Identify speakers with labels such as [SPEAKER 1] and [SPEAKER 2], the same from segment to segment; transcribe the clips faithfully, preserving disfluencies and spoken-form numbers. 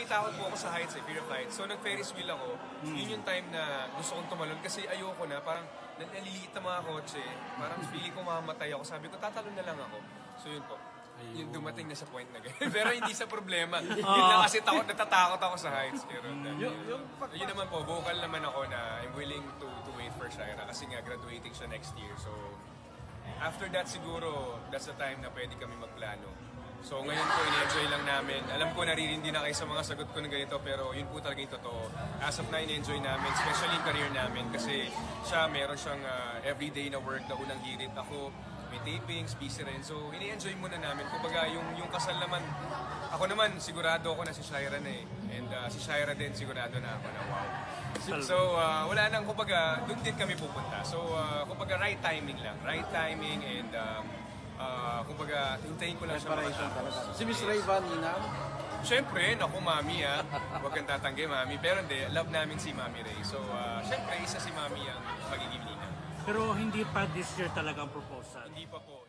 [SPEAKER 1] may takot po ako sa heights, eh, fear of heights. So nag-Ferris wheel ako, yun yung time na gusto kong tumalon kasi ayoko na, parang naliliit na mga kotse, parang feeling ko mamamatay ako. Sabi ko, tatalon na lang ako. So yun po. Yung dumating na sa point na gano'n. Pero hindi sa problema. Yun lang kasi takot, natatakot ako sa heights. Pero yun, yun, yun naman po, vocal naman ako na I'm willing to to wait for Shira kasi nga graduating siya next year. So after that siguro, that's the time na pwede kami magplano. So ngayon po, in-enjoy lang namin. Alam ko naririndi na kayo sa mga sagot ko na ganito, pero yun po talaga yung totoo. As of now, in-enjoy namin, especially yung career namin. Kasi siya, meron siyang uh, everyday na work na unang hirit. Ako, may tapings, busy rin. So, ini-enjoy muna namin. Kumbaga, yung, yung kasal naman, ako naman, sigurado ako na si Shira na eh. And uh, si Shira din, sigurado na ako na wow. So, uh, wala nang, kumbaga, doon din kami pupunta. So, uh, kumbaga, right timing lang. Right timing and, um, uh, kumbaga, hintayin ko lang siya makatapos.
[SPEAKER 2] Si Miss Rayvan, Nina?
[SPEAKER 1] Siyempre, naku, Mami ah. Huwag kang tatanggi, Mami. Pero hindi, love namin si Mami Ray. So, uh, siyempre, isa si Mami ang magiging lina.
[SPEAKER 3] Pero hindi pa this year talaga ang proposal.
[SPEAKER 1] Hindi pa po.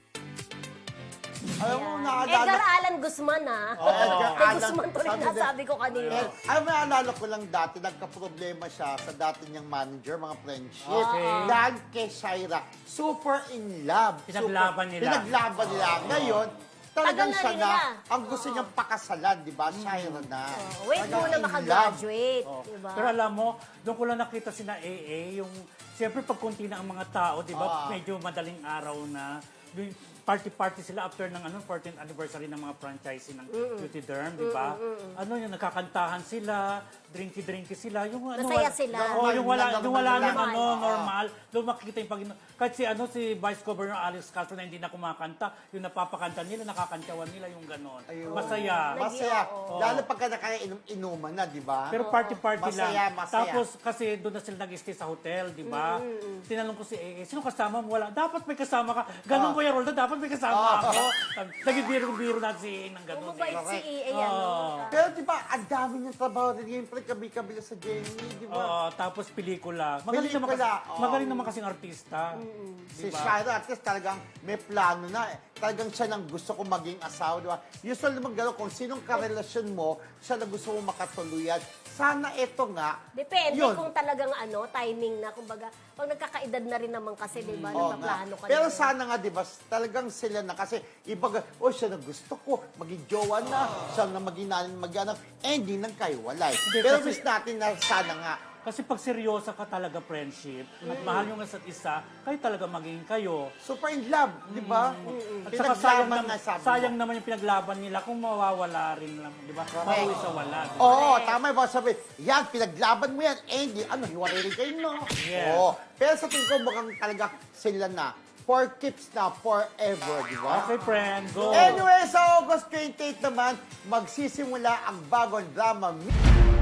[SPEAKER 4] Alam mo,
[SPEAKER 5] Edgar
[SPEAKER 4] naalala...
[SPEAKER 5] Allan Guzman, ah.
[SPEAKER 4] Oh, Edgar
[SPEAKER 5] Kay
[SPEAKER 4] Allan,
[SPEAKER 5] Guzman to rin
[SPEAKER 4] sabi din-
[SPEAKER 5] nasabi ko kanina.
[SPEAKER 4] Eh, alam mo, naalala ko lang dati, nagka-problema siya sa dati niyang manager, mga friendship.
[SPEAKER 3] Okay.
[SPEAKER 4] Dahil kay Shira, super in love.
[SPEAKER 3] Pinaglaban
[SPEAKER 4] super,
[SPEAKER 3] nila.
[SPEAKER 4] Pinaglaban nila. Ngayon, talagang
[SPEAKER 5] Tagal na
[SPEAKER 4] siya
[SPEAKER 5] rin
[SPEAKER 4] na,
[SPEAKER 5] nila.
[SPEAKER 4] ang gusto niyang pakasalan, di ba? Shira na.
[SPEAKER 5] Oh, wait
[SPEAKER 4] Talagang
[SPEAKER 5] muna
[SPEAKER 4] in love.
[SPEAKER 5] makagraduate,
[SPEAKER 3] Oh.
[SPEAKER 5] diba?
[SPEAKER 3] Pero alam mo, doon ko lang nakita si na A A, yung, siyempre pag konti na ang mga tao, di ba,
[SPEAKER 4] Ah.
[SPEAKER 3] medyo madaling araw na, yung party-party sila after ng ano, fourteenth anniversary ng mga franchising ng Beauty Derm, di ba? Ano yung nagkakantahan sila, drinky-drinky sila, yung ano,
[SPEAKER 5] Masaya
[SPEAKER 3] wala-
[SPEAKER 5] sila.
[SPEAKER 3] Oh, yung wala,
[SPEAKER 4] Normal,
[SPEAKER 3] yung wala
[SPEAKER 4] normal
[SPEAKER 3] nang
[SPEAKER 4] lang.
[SPEAKER 3] ano,
[SPEAKER 4] Oo.
[SPEAKER 3] normal. Doon makikita yung pag kahit si ano si Vice Governor Alex Castro na hindi na kumakanta, yung napapakanta nila, nakakantawan nila yung ganon.
[SPEAKER 4] Ayun.
[SPEAKER 3] Masaya.
[SPEAKER 4] Masaya.
[SPEAKER 5] Oo.
[SPEAKER 4] Lalo pagka nakainom-inuman na, di ba?
[SPEAKER 3] Pero party-party lang.
[SPEAKER 4] Masaya, masaya.
[SPEAKER 3] Tapos kasi doon na sila nag-stay sa hotel, di ba? Tinanong ko si A A, sino kasama mo? Wala. Dapat may kasama ka. Ganon ko yung Roldan, dapat may kasama ako. Naging biro-biro natin si A A ng ganon.
[SPEAKER 5] Oh, mabait
[SPEAKER 3] eh.
[SPEAKER 5] si A A, ano?
[SPEAKER 3] Oo.
[SPEAKER 4] Pero di ba, ang dami niyang trabaho rin yung kabi-kabila sa Jenny, di ba?
[SPEAKER 3] Oo, tapos pelikula. Magaling naman, kasi,
[SPEAKER 4] Pelikula, oo.
[SPEAKER 3] magaling naman kasing artista.
[SPEAKER 4] Si Shira, at least talagang may plano na. Eh. Talagang siya nang gusto ko maging asawa, di ba? Usually naman gano'n, kung sinong karelasyon mo, siya na gusto mo makatuluyan. Sana ito nga,
[SPEAKER 5] Depende
[SPEAKER 4] yun.
[SPEAKER 5] kung talagang ano, timing na. Kumbaga, pag nagkakaedad na rin naman kasi, di ba,
[SPEAKER 4] Oo
[SPEAKER 5] nagpaplano
[SPEAKER 4] nga.
[SPEAKER 5] ka
[SPEAKER 4] Pero
[SPEAKER 5] na.
[SPEAKER 4] sana nga, di ba, talagang sila na. Kasi iba, oh, siya na gusto ko, maging jowa na, siya na maging nanin, mag-anak, eh, hindi nang kayo walay. Pero
[SPEAKER 3] kasi-
[SPEAKER 4] wish natin na sana nga,
[SPEAKER 3] Kasi pag seryosa ka talaga friendship, at
[SPEAKER 4] Mm.
[SPEAKER 3] mahal yung isa't isa, kayo talaga maging kayo.
[SPEAKER 4] super in love, di ba?
[SPEAKER 3] At saka sayang,
[SPEAKER 4] Pinaglaban
[SPEAKER 3] naman,
[SPEAKER 4] nga, sabi mo.
[SPEAKER 3] sayang naman yung pinaglaban nila kung mawawala rin lang, di ba? Mauwi sa wala. di ba?
[SPEAKER 4] Oo, tama yung mga sabi. Yan, pinaglaban mo yan. Eh, hindi, ano, hiwalay rin kayo, no?
[SPEAKER 3] Yes.
[SPEAKER 4] Oo. Pero sa tingin ko, mukhang talaga sila na. For keeps na, forever, di ba?
[SPEAKER 3] Okay, friend, go!
[SPEAKER 4] Anyway, sa August twenty-eight naman, magsisimula ang bagong drama.